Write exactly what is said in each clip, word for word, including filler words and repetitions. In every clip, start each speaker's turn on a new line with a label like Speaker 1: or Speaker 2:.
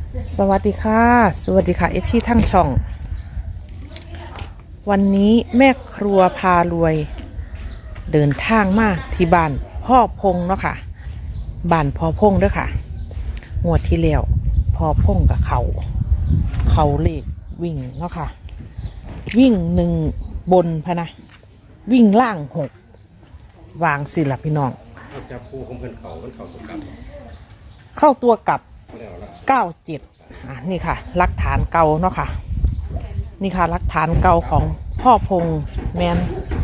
Speaker 1: สวัสดีค่ะสวัสดีค่ะเอฟซีทั้งช่องวันนี้แม่ครัวพารวยเดินทางมาที่บ้านพ่อพงเนาะค่ะบ้านพ่อพงเด้อค่ะงวดที่แล้วพ่อพงกับเขาเขาเลขวิ่งเนาะค่ะวิ่งหนึ่งบนพะนะวิ่งล่างหกวางสิล่ะพี่น้อง
Speaker 2: จับคู่ของเพื่อนเขาเพื่อนเขาตัวกลับ
Speaker 1: เข้าตัวกับเก้าเจ็ดอ่ะนี่ค่ะหลักฐานเก่าเนาะค่ะนี่ค่ะหลักฐานเก่าของพ่อพงแมน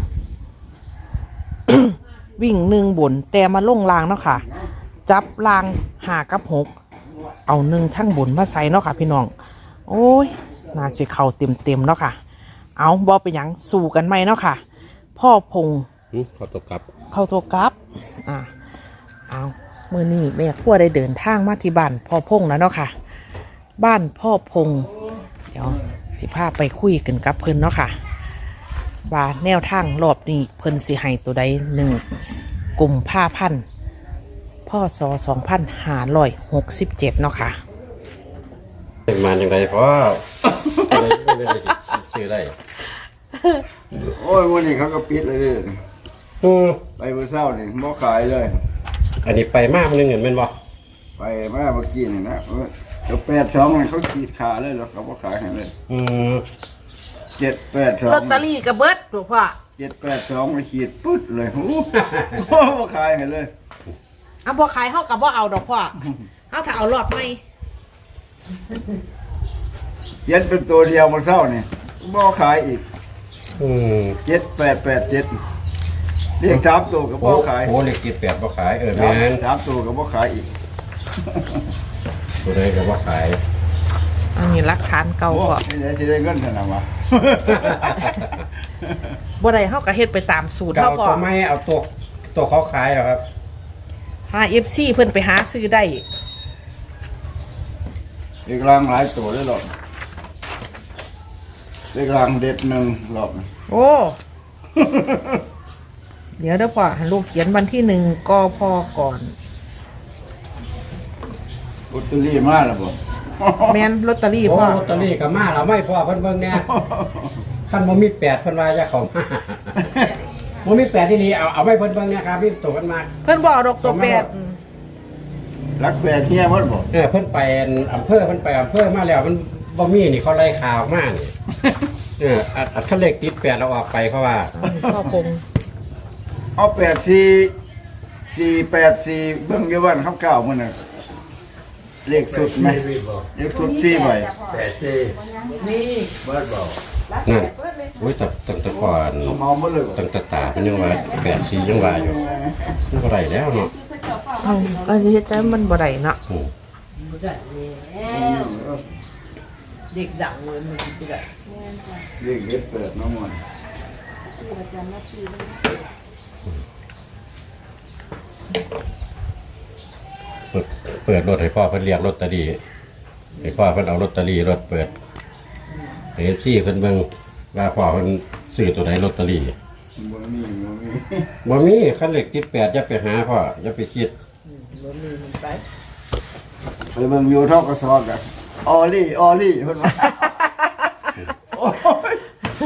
Speaker 1: วิ่งหนึ่งบนแต่มาลงรางเนาะค่ะจับรางหากับหกเอาหนึ่งทั้งบนมาใส่เนาะค่ะพี่น้องโอ้ยน่าจะเข่าเต็มเต็มเนาะค่ะเอาบอไปยังสู่กันไหมเนาะค่ะพ่อพง
Speaker 2: เขาตัวกลับ
Speaker 1: เข้าตัวกลับอ่าเอาเมื่อนี้แม่ครัวได้เดินทางมาที่บ้านพ่อพงแล้วเนาะค่ะบ้านพ่อพงเดี๋ยวสิพาไปคุยกันกับเพิ่นเนาะค่ะว่าแนวทางรอบนี้เพิ่นสิให้ตัวใดหนึ่งกลุ่มผ้าพันพ่อสอสองพันห้าร้อยหกสิบเจ็ดเนาะค่ะ
Speaker 2: เป็นมาอย่างไรเพราะชื่อได้
Speaker 3: โอ้ยวันนี้เขาก็ปิดเลยไปเมื่อเช้านี่บ่ขายเลย
Speaker 2: อันนี้ไปมากมันเงินเป็นบ่
Speaker 3: ไปมาเมื่อกี้นี่นะเดี๋ยวแปดสองเขาขีดขาเลยหรอเขาบ่ขายให้เลย
Speaker 2: อืม
Speaker 3: เจ็ดแปดสอง
Speaker 1: ลอตเตอรี่กระเบิดหลวงพ่อ
Speaker 3: เจ็ดแปดสองมาขีดปุ๊ดเลยโอ้บ่ขายให้เลย
Speaker 1: เอาบ่ขายเขากับบ่เอาดอกพ่อเขาถ้าเอารอดไหม
Speaker 3: เจ็ดเป็นตัวเดียวมาเศร้านี่บ่ขายอีก
Speaker 2: อืม
Speaker 3: เจ็ดแปดแปดเจ็ดเรียกสามตัวกับบ่ขาย
Speaker 2: โอ้เรียกเจ็ดแปดบ่ขายเออแม่น
Speaker 3: สามตัวกับบ่ขายอีก
Speaker 2: ตัวใดกับบ่ขาย
Speaker 1: อันนี้หลักฐานเก่าก่อน
Speaker 3: นี่ได้สิได้เงินเท่านั้นวะ
Speaker 1: บ่ได้เขาก็เฮ็ดไปตามสูตรเขาพอ
Speaker 2: ไม่เอาตัวตัวเขาขายหรอครับ
Speaker 1: หา เอฟ ซี เพิ่นไปหาซื้อได้
Speaker 3: เด็กรางหลายตัวได้หรอกเด็กรางเด็ดหนึ่งหรอก
Speaker 1: โอ้ เดี๋ยวเดี๋ยวพ่อลูกเขียนวันที่หนึ่งกพก่อน
Speaker 3: ลอตเตอรี่มาแล้วบ่
Speaker 1: แม่นลอตเตอรี่พ่อ
Speaker 2: ลอตเตอรี่ก็มาเราไม่พอเพิ่นเบิ่งแน่คันบ่มีแปดเพิ่นว่าจะเข้ามาบ่มีแปดที่นี่เอาเอาไว้เพิ่นเบิ่งเนี่ยครับพี่ตัวเพิ่นมา
Speaker 1: เพิ่นบ่ดอกตัวแปด
Speaker 3: รักแปดเฮียบ่บ่
Speaker 2: เออเพิ่นไปอำเภอเพิ่นไปอำเภอมาแล้วมันบ่มีนี่เขาไล่ข่าวมากเอออัดคันเลขติดแปดเราออกไปเพราะว่า
Speaker 1: พ่อพง
Speaker 3: เอาแปดสี่สี่แปดสี่เบิ่งอยู่บ้านคำเก่ามื้อน่ะเลขสุดไหมเลขสุดสี่ใบแปดสี่
Speaker 1: นี่
Speaker 3: เบิดบ่
Speaker 2: นั่นโอ้ยแต่ตั้งแต่ก่อนตั้งแต่ตาเป็นยังว่าแปดสี่ยังว่าอยู่มันบ่ได้แล้วเนาะ
Speaker 1: อืออันนี้เฮ็ดจังมันบ่ได้เนาะบ่ได้แล้วเด็กดังเลยมันสิได้
Speaker 3: เลขเฮ็ดเปิดมาหมด
Speaker 2: เปิดเปิดรถให้พ่อเพิ่นเรียกรถตอรี่ให้พ่อเพิ่นเอารถตอรี่รถเปิดเอฟซีเพิ่นเบิ่งว่าพ่อเพิ่นซื้อตัวไหนลอตเตอรี่
Speaker 3: บ่มีบ่มี
Speaker 2: บ่มีคันเลขติดแปดอย่าไปหาพ่ออย่าไปคิด
Speaker 1: บ่มีมันไป
Speaker 3: ไปเบิ่งอยู่ทกสกันออลี่ออลี่เพิ่นว่าโอ้ย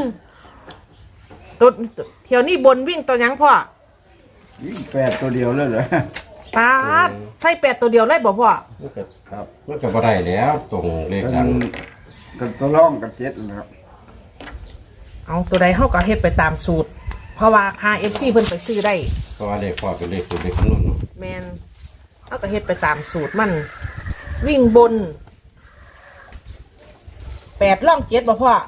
Speaker 1: ตัวเที่ยวนี้บนวิ่งตัวหยังพ่อ
Speaker 3: วิ่งแปดตัวเดียวเลยเหรอ
Speaker 1: ปาดใส่แปดตัวเดียวเลยบ่พ่อ
Speaker 2: มันก็ครับมันก็บ่ได้แล้วตรงเลขดัง
Speaker 3: กันตัวร่องกับเจ็ดนะครับ
Speaker 1: เอาตัวใดเฮาก็เฮ็ดไปตามสูตรเพราะว่าค่า เอฟ ซี เพิ่นไปซื้อได้
Speaker 2: เพราะว่าเลขพ่อเป็นเลขสูตรเลขคำนวณเนาะ
Speaker 1: แม่นเฮาก็เฮ็ดไปตามสูตรมันวิ่งบนแปดร่องเจ็ดบ่พ่อ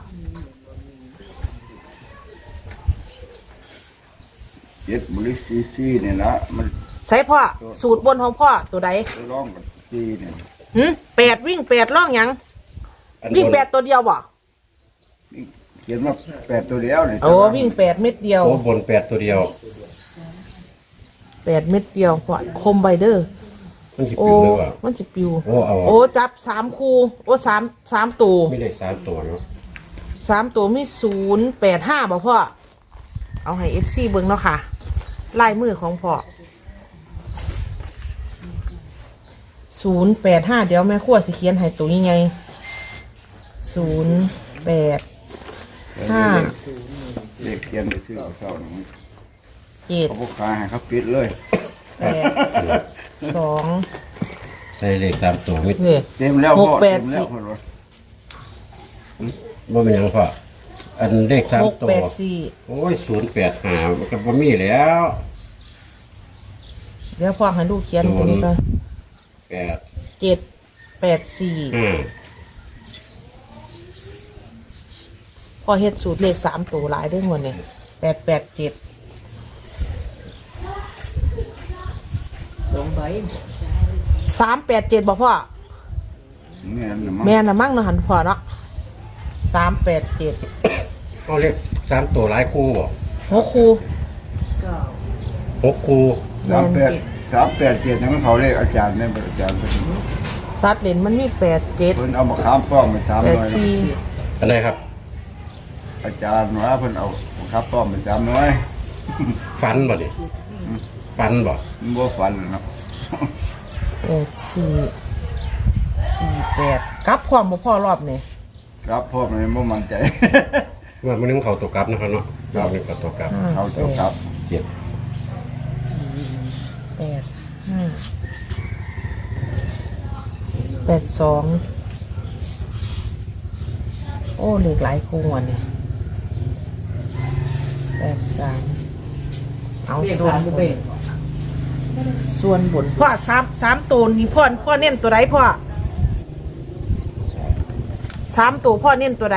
Speaker 3: เจ็ดบริซีซีเนี่ยนะมัน
Speaker 1: ใส่พ่อสูตรบนของพ่อตัวใด
Speaker 3: ร่องกับซีเนี่ย
Speaker 1: หึแปดวิ่งแปดร่องหยังวิ่งแปดตัวเดียวบ่
Speaker 3: เขียนว่าแปดตัวเดียวเลย
Speaker 1: โอ้วิ่งแปดเม็ดเดียว
Speaker 2: โอ้บนแปดตัวเดียว
Speaker 1: แปดเม็ดเดียวพ่อคมไบเดอร์
Speaker 2: มันสิปิวเลยว่ะ
Speaker 1: มันสิปิว
Speaker 2: โอ้เอา
Speaker 1: โอ้จับสามคู่โอ้สามสามตัว
Speaker 2: ไม่ได้สามตัวเนาะ
Speaker 1: สามตัวมีศูนย์แปดห้าบ่พ่อเอาให้เอฟซีเบิ่งเนาะค่ะลายมือของพ่อศูนย์แปดห้าเดี๋ยวแม่ขั้วสิเขียนให้ตัวยังไงศูนย์แปดห้า
Speaker 3: เลขเขียนไปซื้อเอาเศร้าหนึ่ง
Speaker 1: เจ็ด
Speaker 3: เขาบอกขายให้เขาปิดเลย
Speaker 1: แปดสอง
Speaker 2: ใส่เลขตามตัวมิด
Speaker 1: เนี่ย
Speaker 3: เต็มแล้ว
Speaker 1: หก
Speaker 3: พ่อ
Speaker 1: แป
Speaker 3: เต็
Speaker 1: ด
Speaker 3: มแล้
Speaker 1: สี่
Speaker 3: วพ่อรถ
Speaker 2: บ่เป็นหยังพ่ออันเลขตาม
Speaker 1: หก
Speaker 2: ตัว
Speaker 1: แปดสี่
Speaker 2: โอ้ยศูนย์แปดห้ามันก็บ่มีแล้ว
Speaker 1: เดี๋ยวพ่อให้ลูกเขียนตัวนี้ก่อน
Speaker 2: แปด
Speaker 1: เจ็ดแปดสี่
Speaker 2: ห้า
Speaker 1: พ่อเฮ็ดสูตรเลขสามตัวหลายได้หมดเนี่ยแปดแปดเจ็ด
Speaker 4: สองใบ
Speaker 1: สามแปดเจ็ดบอกพ่อ
Speaker 3: แม่นน่ะมั้ง
Speaker 1: แม่น่ะมั่งเนาะหันพ่อเนาะสามแปดเจ็ด
Speaker 2: ก็เลขสามตัวหลายคู่บ่
Speaker 1: หกคู
Speaker 4: เก้า
Speaker 2: หกคู่
Speaker 3: สามแปดสามแปดเจ็ดนั่นเขาเลขอาจารย์เนี่ยอาจารย์เพิ่น
Speaker 1: ตัดเลนมันมีแปดเจ็ด
Speaker 3: เพิ่นเอามาค้ามป้องไปสาม
Speaker 1: แป
Speaker 3: ร้
Speaker 1: ด
Speaker 3: อย
Speaker 1: สี่
Speaker 2: อันไหนครับ
Speaker 3: อาจารย์ว่าเพิ่นเอามาค้ามป้องไปสามร้อย
Speaker 2: ฟันบ่นี่ฟันบ่
Speaker 3: มันบ่ฟันเนาะ
Speaker 1: แปดสี่สี่แปดกลับความบ่พ่อรอบนี่
Speaker 3: ครับพ่อมันบ่มั่นใจ
Speaker 2: ว่ามันนึงเขาตัวกลับนะครับเนาะเรานึงเขาตัวกลับ
Speaker 1: ห้า
Speaker 3: เอาตัวครับ
Speaker 2: เจ็ด
Speaker 1: แปดห้าแปดสองโอ้เหลือหลายคู่วันนี้แปดสามเอา
Speaker 4: เรียก
Speaker 1: ส่วน
Speaker 4: ผ่าน
Speaker 1: บ
Speaker 4: บุ
Speaker 1: น
Speaker 4: เบก
Speaker 1: ส่วนบนพ่อสามสามตัวนี่พ่อพ่อเน้นตัวใดพ่อสามตัวพ่อเน้นตัวใด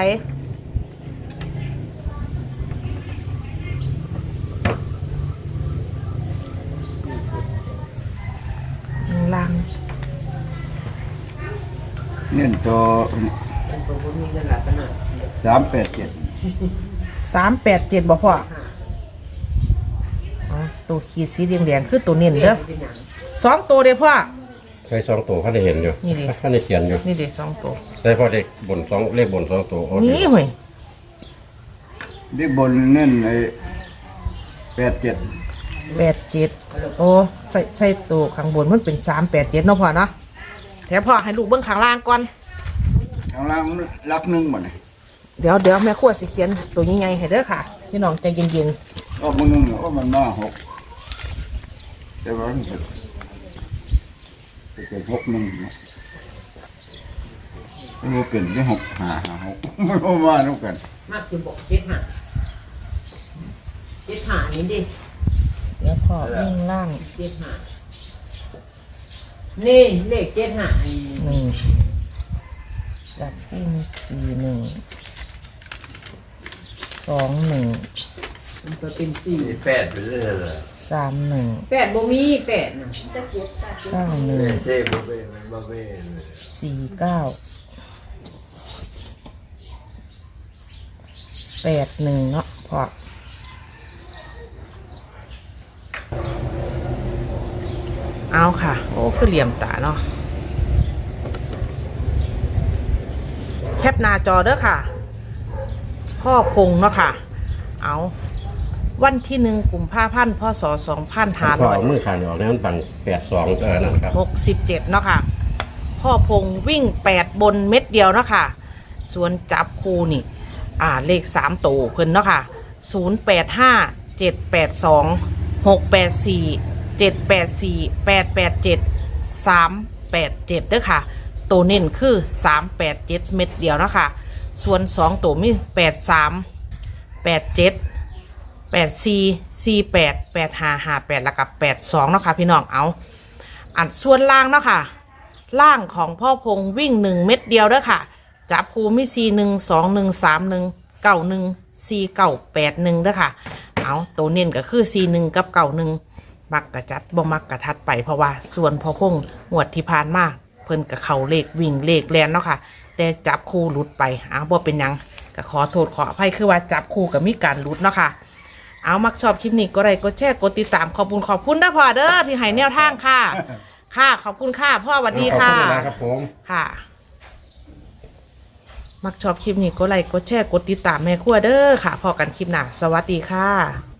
Speaker 1: ล่าง
Speaker 3: เน้นตัว
Speaker 4: เป็นตัวบ่มีเงินหลักกันน่ะ
Speaker 3: สามแปดเจ็ด
Speaker 1: สามแปดเจ็ดบอกพ่ออ๋อตัวขีดสีแดงๆคือตัวเน้น
Speaker 4: เรี
Speaker 1: เด้
Speaker 4: ย
Speaker 1: อก
Speaker 4: เป็นหยัง
Speaker 1: สองตัวเด้อพ่อ
Speaker 2: ใส่สองตัวเขาได้เห็นอยู่
Speaker 1: นี่ดิ
Speaker 2: เขาได้เขียนอยู่
Speaker 1: นี่เด้สองตัว
Speaker 2: ใส่พอเด็กบนสองเลขบนสองตัวโอ้
Speaker 1: นี่เฮ้ย
Speaker 3: ที่บนเน้นไอ้แปดเจ็ด
Speaker 1: แปดเจ็ดโอ้ใส่ใส่ตัวข้างบนมันเป็นสามแปดเจ็ดเนาะพ่อเนาะแถมพ่อให้ลูกเบิ้งข้างล่างก่อน
Speaker 3: ข้างล่างมันรักหนึ่งหมดเลย
Speaker 1: เดี๋ยวเดี๋ยวแม่ขวดสิเขียนตัวยังไงให้เด้อค่ะพี่น้องใจเย็น
Speaker 3: ก็มึงนึงว่ามันมาหกแต่ว่ามันเป็นเป็นหกหนึ่งเนาะมันเป็นที่หกหาหาหกมันก็มาทุกกัน
Speaker 4: มากคือบอกเจ็ดห้าเจ็ดห้านี่ดิ
Speaker 1: ๆเดี๋ยวพ่อวิ่งล่าง
Speaker 4: เจ็ดห้านี่เลขเจ็ดห้านี่
Speaker 1: หนึ่งจับวิ่งสี่หนึ่งสองหนึ่ง
Speaker 4: มันตัวเป็นสี่
Speaker 5: แปดไปเรื่อยเลย
Speaker 1: สามหนึ่ง
Speaker 4: แปดบ่มีแปดน่ะ
Speaker 1: เก้าหนึ่ง
Speaker 5: เท่บ่เป็นมันบ่เป็น
Speaker 1: สี่เก้าแปดหนึ่งเนาะพ่อเอาค่ะ โอ้คือเหลี่ยมตาเนาะแคปหน้าจอเด้อค่ะ พ่อพงเนาะค่ะ เอาวันที่หนึ่งกุมภาพันธ์พศสองพันห้า
Speaker 2: พอ
Speaker 1: ร้อย
Speaker 2: เอามือขาดออกแล้วมันปังแปดสองเออนั่นครับ
Speaker 1: หกสิบเจ็ดเนาะค่ะ พ่อพงวิ่งแปดบนเม็ดเดียวเนาะค่ะ ส่วนจับคูนี่ อ่าเลขสามตัวเพิ่นเนาะค่ะศูนย์แปดห้าเจ็ดแปดสองหกแปดสี่เจ็ดแปดสี่แปดแปดเจ็ดสามแปดเจ็ดเด้อค่ะ ตัวเน้นคือสามแปดเจ็ดเม็ดเดียวเนาะค่ะ ส่วนสองตัวมีแปดสามแปดเจ็ดแปดสี่สี่แปดแปดห้าห้าแปดแล้วกับแปดสองเนาะค่ะพี่น้องเอาอันส่วนล่างเนาะค่ะ ล่างของพ่อพงวิ่งหนึ่งเม็ดเดียวเด้อค่ะ จับคูมีสี่หนึ่งสองหนึ่งสามหนึ่งเก้าหนึ่งสี่เก้าแปดหนึ่งเด้อค่ะ เอาตัวเน้นก็คือสี่หนึ่งกับเก้าหนึ่งมักกระจัดบ่มักกระทัดไปเพราะว่าส่วนพ่อพงหวดที่ผ่านมาเพิ่นกับเขาเลขวิ่งเลขแลนเนาะค่ะ แต่จับคู่หลุดไปเอาบ่เป็นหยังก็ขอโทษขออภัยคือว่าจับคู่กับมีการหลุดเนาะค่ะ เอามักชอบคลิปนี้ก็ไลค์กดแชร์กดติดตามขอบคุณขอบคุณนะพ่อเด้อที่ให้แนวทางค่ะ ค่ะขอบคุณค่ะพ่อสวัสดีค่ะ
Speaker 2: ขอบคุณนะครับผม
Speaker 1: ค่ะ มักชอบคลิปนี้ก็ไลค์กดแชร์กดติดตามแม่ครัวเด้อค่ะพอกันคลิปหน้าสวัสดีค่ะ